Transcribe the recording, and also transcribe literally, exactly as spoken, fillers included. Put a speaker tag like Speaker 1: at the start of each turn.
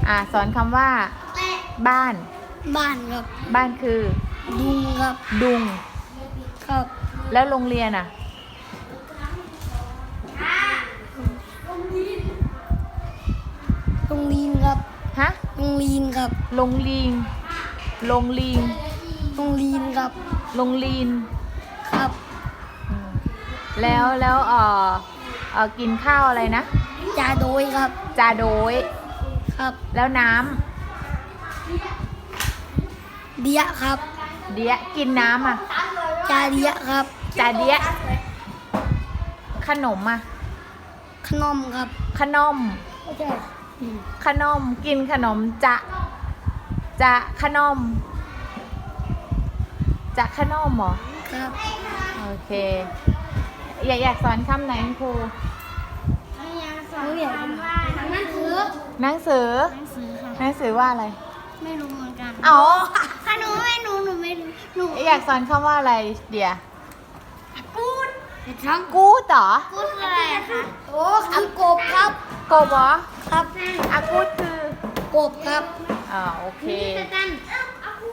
Speaker 1: อ่าสอนคำว่าบ้าน
Speaker 2: บ้านครับ
Speaker 1: บ้านคือ
Speaker 2: ดุงครับ
Speaker 1: ดุง
Speaker 2: ครับ
Speaker 1: แล้วโรงเรียนอ่ะ
Speaker 2: โรงเรียนครับ
Speaker 1: ฮะ
Speaker 2: โรงเรียนครับ
Speaker 1: โรงลิงโรงลิง
Speaker 2: โรงเรียนครับ
Speaker 1: โรงลีน
Speaker 2: ครับ
Speaker 1: อืมแล้วแล้วเออเออกินข้าวอะไรนะ
Speaker 2: จาโดยครับ
Speaker 1: จาโดย
Speaker 2: ครับ
Speaker 1: แล้วน้
Speaker 2: เดียครับ
Speaker 1: ำเดียกินน้ำอ่ะ
Speaker 2: จาเดียครับ
Speaker 1: จาเดียขนมอ่ะ
Speaker 2: ขนมครับ
Speaker 1: ขนม
Speaker 2: ไม่ใช่
Speaker 1: ขนมกินขนมจะจะขนมจะขนมเหรอ
Speaker 2: ครับ
Speaker 1: โอเคอยากอยากสอนคำไหนครู
Speaker 2: สอนอยากว่าหนังสือ
Speaker 1: หนังสือ
Speaker 2: หนังสือค่ะ
Speaker 1: หนังสือว่าอะไร
Speaker 2: ไม่รู้เหมือนกัน
Speaker 1: อ๋อ
Speaker 2: ถ้าหนูไม่รู้หนูไม่รู้หนู
Speaker 1: อยากสอนคำว่าอะไรเดี๋ยว
Speaker 2: กูดทั้ง
Speaker 1: กูดเหรอ
Speaker 2: กูดคืออะไรคะโอ้คือกบครับ
Speaker 1: กบเหรอ
Speaker 2: ครับ
Speaker 1: อากูดคือ
Speaker 2: กบครับ
Speaker 1: อ่าโอเค